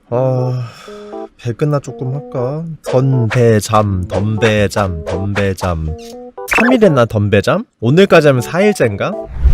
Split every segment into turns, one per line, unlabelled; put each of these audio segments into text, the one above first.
배 끝나 조금 할까? 덤배잠 3일 했나 덤배잠? 오늘까지 하면 4일째인가?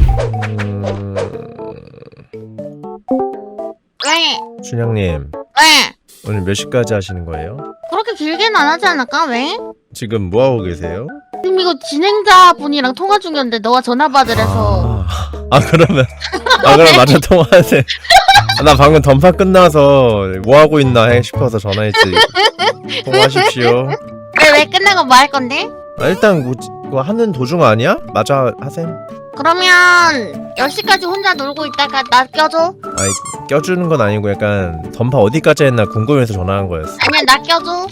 왜?
춘향님
왜?
오늘 몇 시까지 하시는 거예요?
그렇게 길게는 안 하지 않을까? 왜?
지금 뭐하고 계세요?
지금 이거 진행자분이랑 통화 중이었는데 너가 전화 받으래서
그러면 그럼 마저 통화하세요. 나 방금 던파 끝나서 뭐하고 있나 싶어서 전화했지. 통화하십시오.
왜 끝나고 뭐 할 건데?
일단 그거 하는 도중 아니야? 마저 하셈.
그러면 10시까지 혼자 놀고 있다가 나 껴줘?
아니 껴주는 건 아니고 약간 던파 어디까지 했나 궁금해서 전화한 거였어.
아니야 나 껴줘.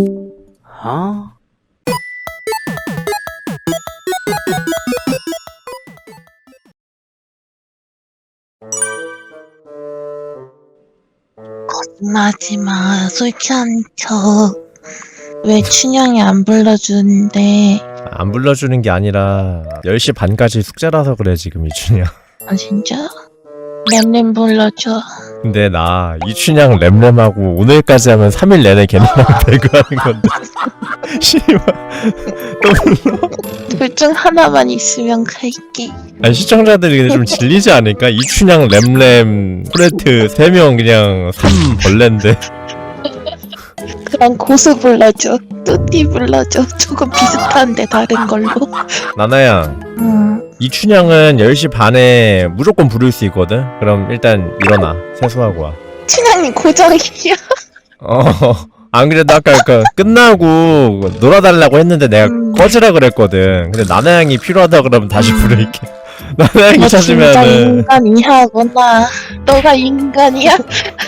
마지막 술 취한 척. 왜 춘향이 안 불러주는데?
안 불러주는 게 아니라 10시 반까지 숙제라서 그래 지금 이춘향.
아 진짜? 램램 불러줘.
근데 나 이춘향 램램하고 오늘까지 하면 3일 내내 걔네랑 배그하는 건데 씨발 또 불러?
둘 중 하나만 있으면 갈게.
아니 시청자들이 근데 좀 질리지 않을까? 이춘향 램램 프레트 3명 그냥 3벌레인데.
그럼 고수 불러줘. 뚜띠 불러줘. 조금 비슷한데 다른 걸로.
나나야 이춘향은 10시 반에 무조건 부를 수 있거든? 그럼 일단 일어나 세수하고 와.
춘향님 고정이야.
안 그래도 아까 끝나고 놀아달라고 했는데 내가 꺼지라 그랬거든. 근데 나나양이 필요하다 그러면 다시 부를게. 나나양이
너 진짜
찾으면은
인간이야구나. 너가 인간이야?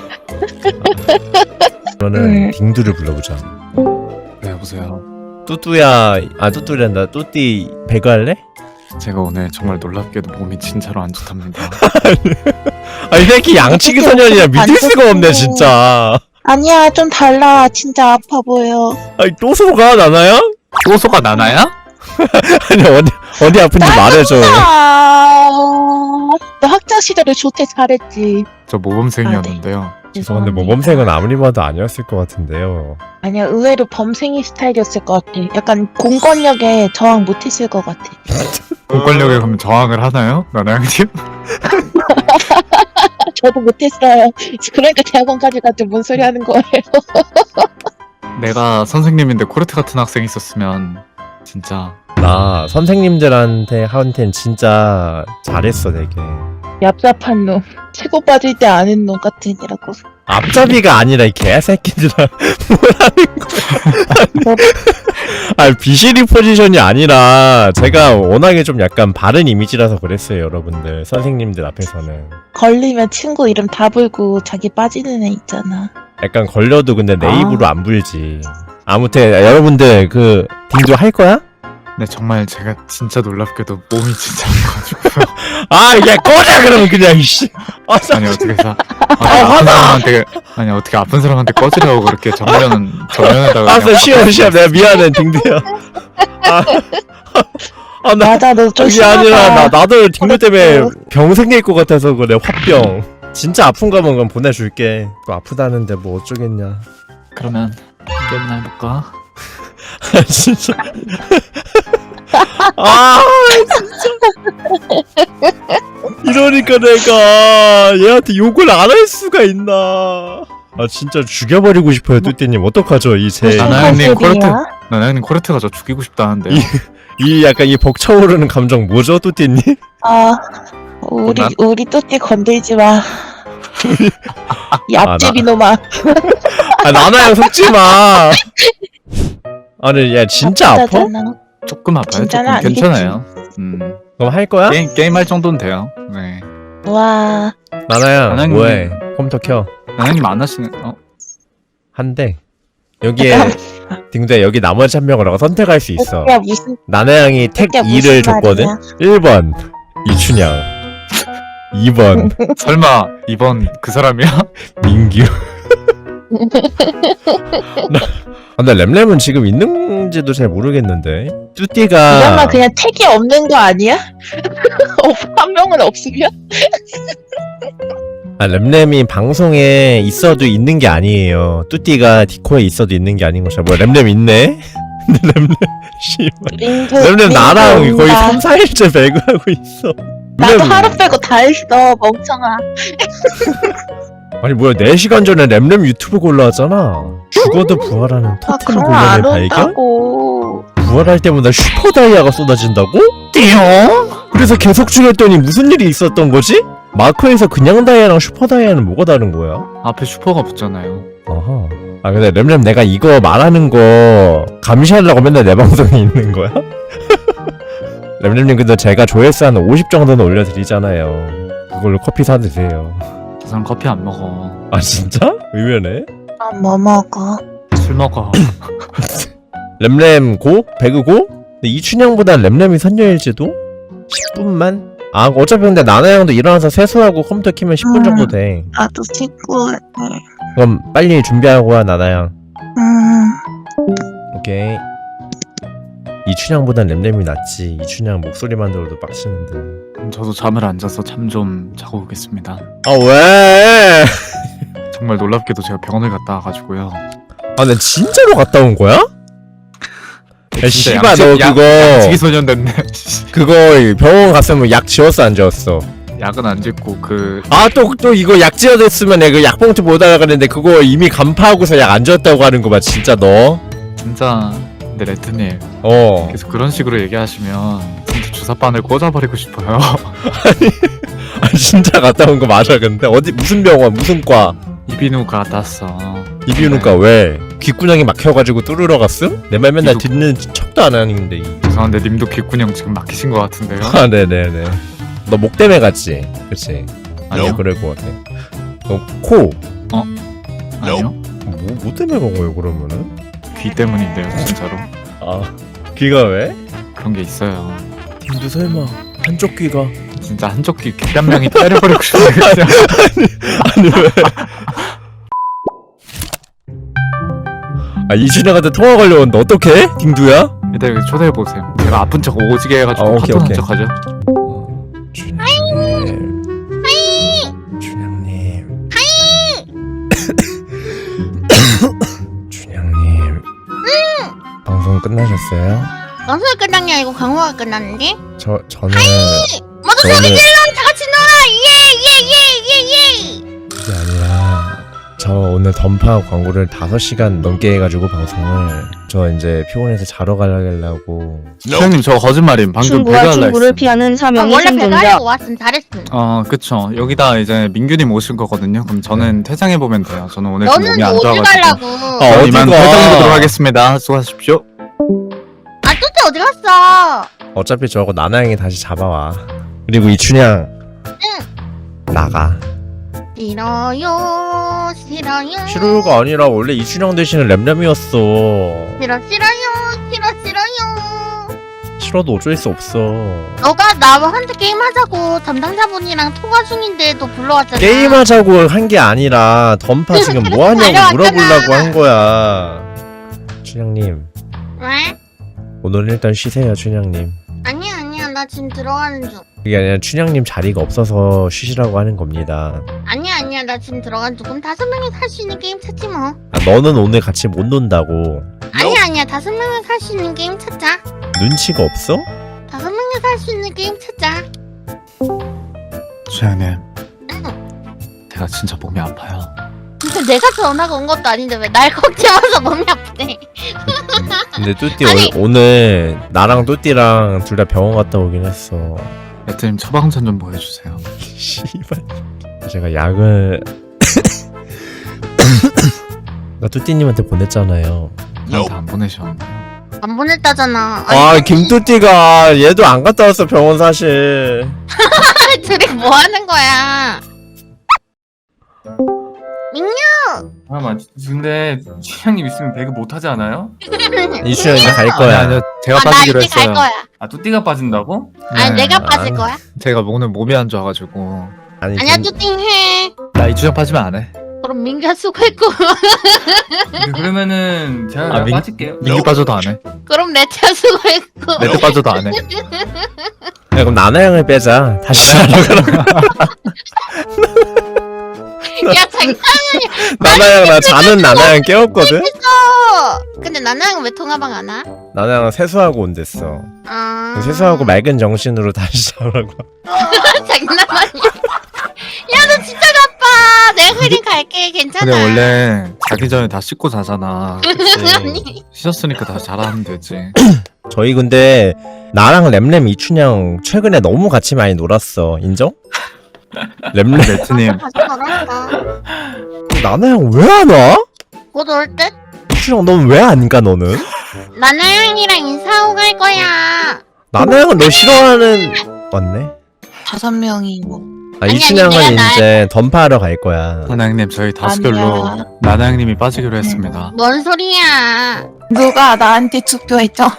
그러면은 딩두를 불러보자.
네, 여보세요.
뚜뚜야, 뚜뚜란다. 뚜띠 배그 할래?
제가 오늘 정말 놀랍게도 몸이 진짜로 안 좋답니다.
이 새끼 양치기 소년이야. 믿을 수가 없네 진짜.
아니야 좀 달라. 진짜 아파 보여.
또 속아 나나야?
소소가 나나야?
아니 어디 아픈지 말해줘.
너 학창 시절에 조퇴 잘했지.
저 모범생이었는데요.
죄송한데 모범생은 아무리 봐도 아니었을 것 같은데요.
아니야 의외로 범생이 스타일이었을 것 같아. 약간 공권력에 저항 못했을 것 같아.
공권력에 그러면 저항을 하나요? 나나양님?
저도 못했어요. 그러니까 대학원까지 갔지 뭔 소리 하는 거예요.
내가 선생님인데 코르트 같은 학생이 있었으면 진짜
나 선생님들한테는 진짜 잘했어 되게.
얍삽한 놈. 치고 빠질 때 아는 놈 같은 이라고.
앞잡이가 아니라 이 개새끼들아. 뭐라는 거야. 비실이 포지션이 아니라 제가 워낙에 좀 약간 바른 이미지라서 그랬어요 여러분들. 선생님들 앞에서는
걸리면 친구 이름 다 불고 자기 빠지는 애 있잖아.
약간 걸려도 근데 내 입으로 안 불지. 아무튼 여러분들 딩두 할 거야?
네 정말 제가 진짜 놀랍게도 몸이 진짜 안 가지고요.
야 꺼져 그러면 그냥 이씨.
아니 어떻게 해서 아픈 사람한테 어떻게 아픈 사람한테 꺼지라고 그렇게 정면에다가 그냥
시험 내가 미안해 딩두야.
맞아 너 좀
그게
심하다.
아니라 나도 딩두 때문에 병 생길 것 같아서 그래. 화병. 진짜 아픈가 뭔가 보내줄게. 또 아프다는데 뭐 어쩌겠냐.
그러면 게임이나 해볼까?
진짜. 진짜. 이러니까 내가 얘한테 욕을 안 할 수가 있나. 진짜 죽여버리고 싶어요 뚜띠님. 어떡하죠
나나양님 코르트가 저 죽이고 싶다는데.
이 약간 이 벅차오르는 감정 뭐죠 뚜띠님?
우리 뚜띠 건들지 마. 이 앞집이 놈아.
나나양 속지마. 아니 야 진짜 아파?
조금 아파요.
진짜는
조금 괜찮아요.
그럼 할 거야?
게임 할 정도는 돼요. 네.
와.
나나양 뭐해? 컴퓨터 켜.
나나양님 안 하시는
한대. 여기에 딩두야 여기 나머지 한 명을 선택할 수 있어.
야 무슨
나나양이 택
야,
2를 줬거든?
말이야?
1번 이춘향 2번
설마 이번 그 사람이야?
민규. 근데 램램은 지금 있는지도 잘 모르겠는데. 뚜띠가
이러면 그냥 택이 없는 거 아니야? 한 명은 없으면?
아, 램램이 방송에 있어도 있는 게 아니에요. 뚜띠가 디코에 있어도 있는 게 아닌 것이야. 뭐야, 램램 있네? 근데 램램, 씨발. 램램 나랑 거의 3, 4일째 배그하고 있어.
나도
램램.
하루 빼고 다 했어, 멍청아.
아니, 뭐야, 4시간 전에 램램 유튜브 골라왔잖아. 죽어도 부활하는
아,
토템
그럼
골렘의
안
발견?
온다고.
부활할 때마다 슈퍼 다이아가 쏟아진다고?
띠용?
그래서 계속 죽였더니 무슨 일이 있었던 거지? 마크에서 그냥 다이아랑 슈퍼 다이아는 뭐가 다른 거야?
앞에 슈퍼가 붙잖아요.
어허. 아 근데 램램 내가 이거 말하는 거 감시하려고 맨날 내 방송에 있는 거야? 램램님 근데 제가 조회수 한 50 정도는 올려드리잖아요. 그걸로 커피 사 드세요.
저 사람 커피 안 먹어.
아 진짜? 의외네.
아, 뭐 먹어?
술 먹어.
램램 고? 배그 고? 근데 이춘향보단 램램이 선녀일지도? 10분만? 아 어차피 근데 나나양도 일어나서 세수하고 컴퓨터 키면 10분 정도 돼.
나도 친구.
그럼 빨리 준비하고 와 나나양.
음.
오케이. 이춘향보단 램램이 낫지. 이춘향 목소리만 들어도 빡치는데.
그럼 저도 잠을 안 자서 잠 좀 자고 오겠습니다.
아 왜?
정말 놀랍게도 제가 병원을 갔다 와가지고요.
아 나 진짜로 갔다 온 거야? 야
진짜
씨발 너 그거
양치기 소년 됐네.
그거 병원 갔으면 약 지웠어 안 지웠어?
약은 안 짓고 그
아 또 이거 약 지어댔으면 내가 그 약봉투 못 알아가는데 그거 이미 간파하고서 약 안 지웠다고 하는 거 봐 진짜 너?
진짜. 근데 레트님
어.
계속 그런 식으로 얘기하시면 진짜 주사바늘 꽂아버리고 싶어요.
아 진짜 갔다 온 거 맞아 근데 어디 무슨 병원 무슨 과?
이비인후과 갔어.
이비인후과 왜? 귓구녕이 막혀가지고 뚫으러 갔음? 내 말 맨날
이거-
듣는 척도 안 하는데.
죄송한데 님도 귓구녕 지금 막히신 것 같은데요?
아 네네네. 너 목 때문에 갔지? 그치?
아니요.
그럴 것 같아. 너 코?
아니요?
뭐 때문에 간 거예요 그러면은?
귀 때문인데요 진짜로.
아 귀가 왜?
그런 게 있어요.
님도 설마 한쪽 귀가?
진짜 한쪽 귀 귓감량이 때려버리고 싶어요.
아니 왜? 아 이준혁한테 통화 걸려온다 어떡해? 딩두야?
일단 여기 초대해보세요. 제가 아픈 척 오지게 해가지고
아, 오케이,
카톡한
오케이.
척 하죠.
준혁님 준혁님 준혁님 방송 끝나셨어요?
방송이 끝난 게 아니고 광고가 끝났는데?
저는
모두
저는-
소리 질러! 다 같이 놀아! 예!
그게 아니라 저 오늘 던파 광고를 5시간 넘게 해가지고 방송을 저 이제 피곤해서 자러 가려고.
형님 저 거짓말임. 방금
충무와
배달라
충무를
했음.
피하는 사명의
원래
생존자.
배가려고 왔음 잘했음.
그쵸. 여기다 이제 민규님 오실 거거든요. 그럼 저는 퇴장해보면 돼요. 저는 오늘 좀
너는
몸이 안
어디
좋아가지고.
가려고?
어,
이만
어디가?
퇴장해보도록 하겠습니다. 수고하십시오.
아 뚜띠 어디 갔어?
어차피 저거 나나양이 다시 잡아와. 그리고 이춘향 나가.
싫어요
싫어요가 아니라 원래 이춘향 대신에 램램이었어.
싫어요
싫어도 어쩔 수 없어.
너가 나한테 게임하자고 담당자분이랑 통화 중인데도 불러왔잖아.
게임하자고 한 게 아니라 던파 지금 뭐 하냐고
달려왔잖아.
물어보려고 한 거야. 춘향님
왜?
오늘 일단 쉬세요 춘향님.
아니야 나 지금 들어가는 중.
그게 아니라 춘향님 자리가 없어서 쉬시라고 하는 겁니다.
아니야 나 지금 들어가는 중. 그럼 5명이 살 수 있는 게임 찾지 뭐.
아, 너는 오늘 같이 못 논다고.
아니야 5명이 살 수 있는 게임 찾자.
눈치가 없어?
5명이 살 수 있는 게임 찾자.
수양님,
응.
제가 진짜 몸이 아파요.
근데 내가 전화가 온 것도 아닌데 왜 날 걱정해서 몸이 아프대.
근데 뚜띠
아니.
오늘 나랑 뚜띠랑 둘 다 병원 갔다 오긴 했어.
레트님 처방전 좀 보여주세요.
씨발. 제가 약을 나 뚜띠님한테 보냈잖아요.
저한테 안 보내셨는데요.
안 보냈다잖아.
아 김뚜띠가 얘도 안 갔다 왔어 병원 사실.
둘이 뭐 하는 거야? 민규!
잠깐만 근데 취향님 있으면 배그 못하지 않아요?
이춘향 이제 갈 거야.
아니요, 제가
나
빠지기로
이제 갈
했어요.
거야.
아 뚜띠가 빠진다고?
아니
네.
내가 빠질 거야.
제가 오늘 몸이 안 좋아가지고
아니
아니야 뚜띵 해.
나 이주장 빠지면 안 해.
그럼 민규가 수고했고
근데 그러면은 제가
아,
빠질게요.
민규 빠져도 안 해.
그럼 레트가 수고했고
레트 빠져도 안 해.
야, 그럼 나나양을 빼자. 다시 하러 가라.
야 장난.
나나양 나 자는 나나양 깨웠거든?
근데 나나양 왜 통화방 안 와?
나나양 세수하고 온댔어.
아.
세수하고 맑은 정신으로 다시 자라고.
장난 아니야. 야 너 진짜 바빠. 내가 그림 갈게. 괜찮아.
근데 원래 자기 전에 다 씻고 자잖아.
아니.
씻었으니까 다 잘하면 되지.
저희 근데 나랑 램램 이춘향 최근에 너무 같이 많이 놀았어. 인정? 램램
레트님
다시 걸었어.
나나양 왜 안 와?
곧 올 듯?
이춘향 넌 왜 안 가 너는?
나나양이랑 인사하고 갈 거야.
나나양은 너 싫어하는 맞네.
5명이 뭐.
아
아니,
이춘향은
아니, 내가
이제 던파하러 갈 거야.
나나양님 저희 다수결로
아니야.
나나양님이 빠지기로 했습니다.
뭔 소리야?
누가 나한테 투표했죠?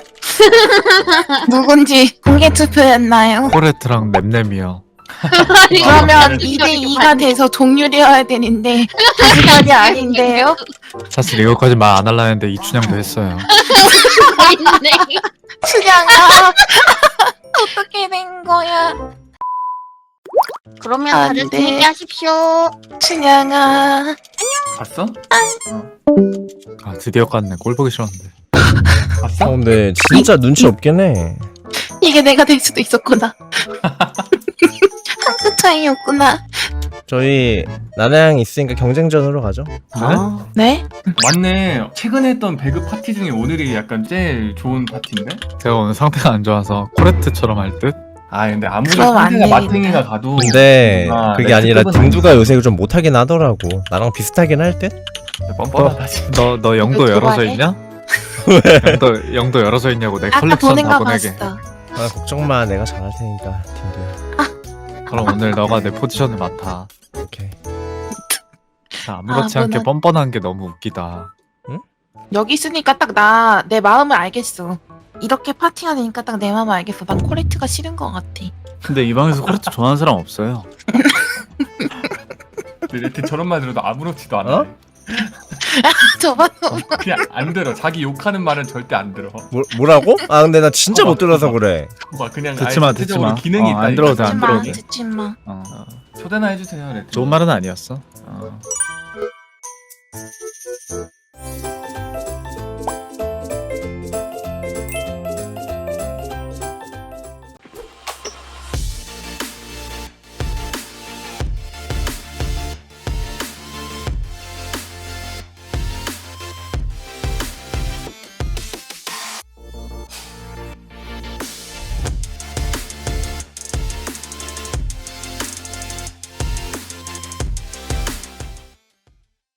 누군지 공개 투표였나요?
코레트랑 램램이요.
그러면
이거
2대2가 돼서 종률이어야 되는데 다시 아닌데요?
사실 이거까지 말 안 하려 했는데 이춘향도 했어요.
있네.
춘향아 어떻게 된 거야?
그러면
안
다들
돼.
재밌게 하십시오.
춘향아
봤어?
아 드디어 깠네. 꼴 보기 싫었는데.
봤어?
근데 진짜 눈치 없긴 해.
이게 내가 될 수도 있었구나. 한 끗 차이였구나.
저희 나나양 있으니까 경쟁전으로 가죠.
네?
맞네. 최근에 했던 배그 파티 중에 오늘이 약간 제일 좋은 파티인데?
제가 오늘 상태가 안 좋아서 코레트처럼 할 듯?
아 근데 아무리
그럼 안
상대가
되겠다.
마탱이가 가도
근데
아,
그게
네,
아니라
그건
딩두가 요새 좀 못하긴 하더라고. 나랑 비슷하긴 할 듯?
뻔뻔하다 진짜.
너 영도
왜
열어져
좋아해?
있냐? 영도 열어져 있냐고 내
아까
컬렉션
보낸
다
거
보내게.
봤어.
아 걱정 마. 내가 잘할 테니까 딩두야.
그럼 오늘 너가 내 포지션을 맡아.
오케이.
나 아무렇지
아,
않게
뭐나-
뻔뻔한 게 너무 웃기다.
여기 있으니까 딱 내 마음을 알겠어. 이렇게 파티하니까 딱 내 마음을 알겠어. 난 코레트가 싫은 것 같아.
근데 이 방에서 코레트 좋아하는 사람 없어요.
근데 이렇게 저런 말 들어도 아무렇지도 않아.
어?
저번
그냥 안 들어. 자기 욕하는 말은 절대 안 들어.
뭐라고? 아 근데 나 진짜 못 들어서 그래.
막 그냥
듣지 마,
아예
듣지
전체적으로
마.
기능이
안
있다니까.
들어도 돼, 안
듣지 마,
들어도 돼.
듣지 마.
어.
초대나 해주세요. 레트.
좋은 말은 아니었어.
어.